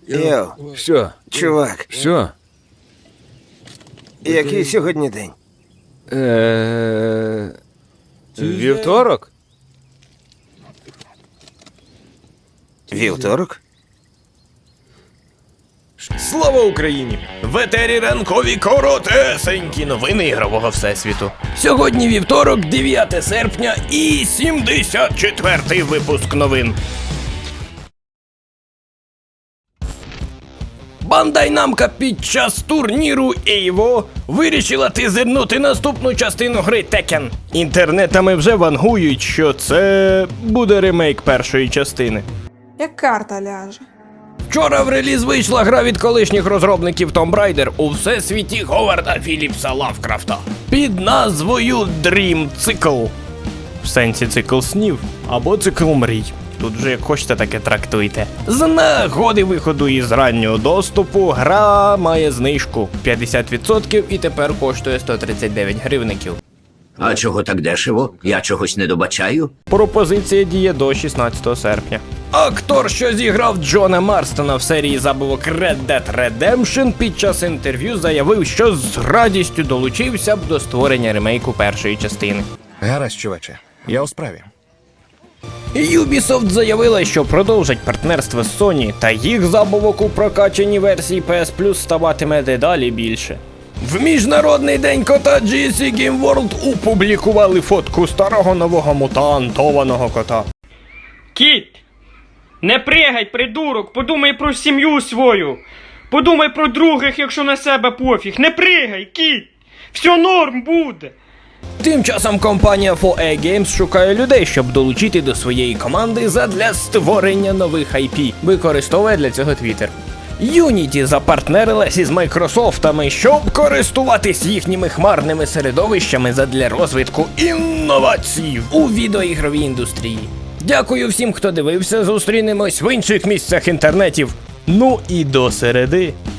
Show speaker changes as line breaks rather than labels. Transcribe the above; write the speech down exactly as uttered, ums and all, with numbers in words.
Йоу,
Що?
чувак,
Що?
який сьогодні день?
Е... Вівторок?
Вівторок?
Слава Україні! В етері ранкові коротесенькі новини ігрового всесвіту. Сьогодні вівторок, дев'яте серпня і сімдесят четвертий випуск новин. Бандай Намко під час турніру Evo вирішила тизернути наступну частину гри Tekken. Інтернетами вже вангують, що це буде ремейк першої частини.
Як карта ляже.
Вчора в реліз вийшла гра від колишніх розробників Tomb Raider у всесвіті Говарда Філіпса Лавкрафта під назвою Dream Cycle. В сенсі цикл снів або цикл мрій. Тут вже як хочете, таке трактуйте. З нагоди виходу із раннього доступу гра має знижку п'ятдесят відсотків і тепер коштує сто тридцять дев'ять гривників.
А чого так дешево? Я чогось не добачаю?
Пропозиція діє до шістнадцятого серпня. Актор, що зіграв Джона Марстона в серії забавок Red Dead Redemption, під час інтерв'ю заявив, що з радістю долучився б до створення ремейку першої частини.
Гаразд, чуваче, я у справі.
Ubisoft заявила, що продовжать партнерство з Sony, та їх забавок у прокачаній версії пі ес Plus ставатиме дедалі більше. В Міжнародний день кота джі сі Game World опублікували фотку старого нового мутантованого кота.
Кіт! Не пригай, придурок! Подумай про сім'ю свою! Подумай про других, якщо на себе пофіг! Не пригай, кіт! Все норм буде!
Тим часом компанія фор ей Games шукає людей, щоб долучити до своєї команди задля створення нових ай пі. Використовує для цього Twitter. Unity запартнерилась із Майкрософтами, щоб користуватись їхніми хмарними середовищами задля розвитку інновацій у відеоігровій індустрії. Дякую всім, хто дивився, зустрінемось в інших місцях інтернетів. Ну і до середи.